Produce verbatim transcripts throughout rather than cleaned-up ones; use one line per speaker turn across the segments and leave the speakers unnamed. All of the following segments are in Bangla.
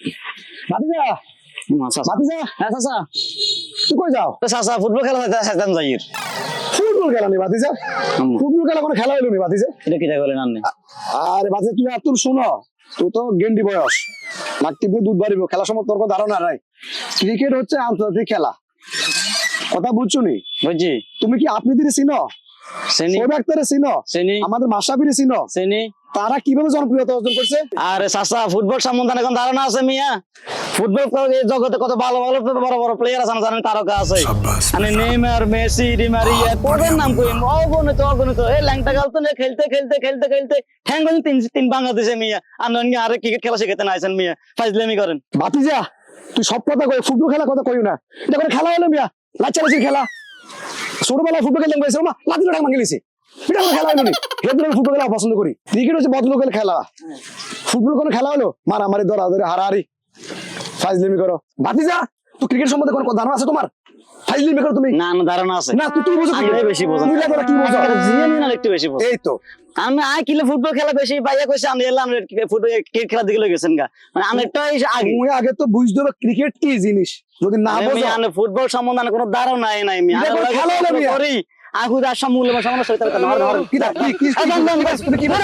ভাতিজা ভাতিজা
হ্যাঁ চাচা
তুই কই যাও?
চাচা ফুটবল খেলা চাইতাম যাইর
ফুটবল খেলা নেই ভাতিজা, ফুটবল খেলা কোনো খেলা হইলো নি ভাতিজা।
এটা কি বলেন আপনি?
আরে ভাতিজা তুই আর তোর শোনো, তুই তো গেন্ডি বয়স, মাঠ টিপে দুধ বাড়িব, খেলা সম্বন্ধে তোর কোনো ধারণা নাই। ক্রিকেট হচ্ছে আন্তর্জাতিক খেলা, কথা বুঝছো নি?
বুঝছি।
তুমি কি আপনি দিদি চিনো?
চিনি
সব একটারে চিনো?
চিনি
আমাদের মাশরাফিরে চিনো?
চিনি।
তারা কিভাবে জনপ্রিয়তা অর্জন করছে?
আরে চাচা ফুটবল সম্বন্ধে এখন ধারণা আছে মিয়া? ফুটবল জগতে কত ভালো ভালো বড় বড় প্লেয়ার আছে, জানেন তারকা আছে, মানে নেইমার, মেসি, ডি মারিয়া, কোদের নাম কই অগণিত অগণিত। এই ল্যাংটা গালতো না খেলতে খেলতে খেলতে খেলতে ঠ্যাঙ্গল তিন তিন বাংলাদেশে মিয়া। আপনি আরে ক্রিকেট খেলা শিখাতে না আইছেন মিয়া, ফাইজলামি করেন।
ভাতিজা তুই সব কথা কই, ফুটবল খেলা কথা কইও না, এটা কোনো খেলা হলো মিয়া? লাচালাচির খেলা। ছোটবেলায় ফুটবল খেলতে গেছে মা লাঠি লড়াই মাঙ্গি লিছি, এটা কোনো খেলা হলো নি? হেদরে ফুটবল খেলা পছন্দ করি। ক্রিকেট হচ্ছে বদলোকের খেলা, ফুটবল কোনো খেলা হলো? মারামারি দরাদরি হারাহারি ফাইজলামি করো। ভাতিজা তুই ক্রিকেট সম্বন্ধে কোনো ধারণা আছে তোমার? ফাইজলামি করো তুমি?
না না ধারণা আছে
না তুই তুই বুঝো
আমি বেশি বুঝো
তুই লাগা কি বুঝো?
জিয়ানি না একটু বেশি বুঝো।
এই তো
আমি আই কিলে ফুটবল খেলা বেশি পাইয়া কইছে, আমি এলাম ফুটবল ক্রিকেট খেলা দিকে গেছেন গা, মানে আমি একটাই আগে
তুমি আগে তো বুঝতে হবে ক্রিকেট কি জিনিস, যদি না বুঝো।
আমি ফুটবল সম্বন্ধে আমার কোনো ধারণাই নাই আমি
এটা কোনো খেলা হলো মিয়া?
করি আগু দাস মূল্য সামনে সইতে পারতাম না। ধর
কি কি কি তুমি কি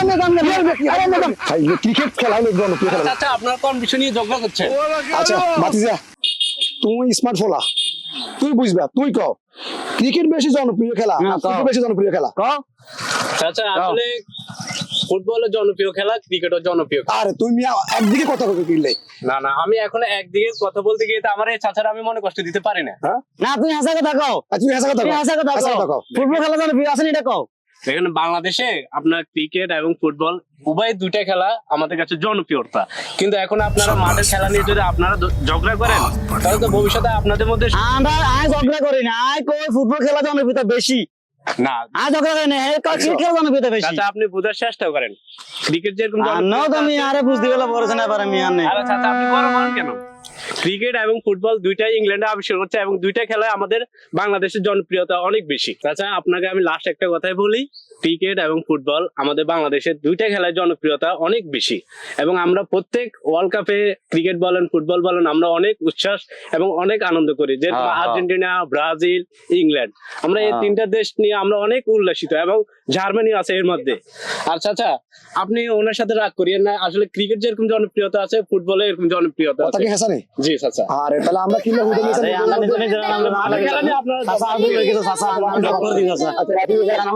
ক্রিকেট খেলা হলো জনপ্রিয় খেলা।
আচ্ছা আপনার কোন বিষয় নিয়ে ঝগড়া করছেন?
আচ্ছা ভাতিজা তুমি স্মার্ট ফোলা, তুই বুঝবা, তুই কও ক্রিকেট বেশি জনপ্রিয় খেলা
না,
না
কও।
ফুটবল বেশি জনপ্রিয় খেলা?
ক
আচ্ছা আসলে ফুটবল জনপ্রিয় খেলা, ক্রিকেটও জনপ্রিয় খেলা।
আরে তুমি একদিকে কথা কবে কিনলে?
না না আমি এখন একদিকে কথা বলতে গিয়ে তো আমার এই চাচারা আমি মনে কষ্ট দিতে পারি না।
হ্যাঁ
না তুমি হাসা কথা কও,
আচ্ছা তুমি হাসা কথা
তুমি
কও,
হাসা কথা
হাসা কথা
কও।
কও।
ফুটবল খেলা জনপ্রিয় আছে না এটা কও।
এখানে বাংলাদেশে আপনার ক্রিকেট এবং ফুটবল উভয় দুইটা খেলা আমাদের কাছে জনপ্রিয়তা, কিন্তু এখন আপনারা মাঠের খেলা নিয়ে যদি আপনারা দ- ঝগড়া করেন তাহলে তো ভবিষ্যতে আপনাদের মধ্যে
আমরা আয় ঝগড়া করি না, আয় কই ফুটবল খেলা জনপ্রিয়তা বেশি,
না।
আয় ঝগড়া করি না, হে কই ক্রিকেট খেলা জনপ্রিয়তা বেশি।
চাচা আপনি বোঝার চেষ্টা করেন, ক্রিকেট যেরকম
আর নাও তুমি আরে বুঝতে গেলে বলছ না পারে আমি আনে।
আরে চাচা আপনি বড় বলেন কেন? ক্রিকেট এবং ফুটবল দুইটাই ইংল্যান্ডে আবিষ্কার করছে এবং দুইটা খেলায় আমাদের বাংলাদেশের জনপ্রিয়তা অনেক বেশি। চাচা আপনাকে আমি লাস্ট একটা কথাই বলি, ক্রিকেট এবং ফুটবল আমাদের বাংলাদেশের দুইটা খেলায় জনপ্রিয়তা অনেক বেশি এবং আমরা প্রত্যেক ওয়ার্ল্ড কাপে ক্রিকেট বলেন ফুটবল বলেন আমরা অনেক উচ্ছ্বাস এবং অনেক আনন্দ করি, যেরকম
হ্যাঁ, হ্যাঁ।
আর্জেন্টিনা, ব্রাজিল, ইংল্যান্ড, আমরা এই
হ্যাঁ।
তিনটা দেশ নিয়ে আমরা অনেক উল্লাসিত এবং জার্মানি আছে এর মধ্যে। আর চাচা আপনি ওনার সাথে রাগ করিয়েন না, আসলে ক্রিকেট যেরকম জনপ্রিয়তা আছে ফুটবলে এরকম জনপ্রিয়তা
কথা
আছে।
কি হাসা নেই?
জি চাচা।
আরে তাহলে আমরা কিনলে হুদে
আরে আমরা নিজে নিজে আমরা
খেলা নিয়ে আপনারা
চাচা আগুন হয়ে গেছে, চাচা আমরা করে দিই চাচা।
আচ্ছা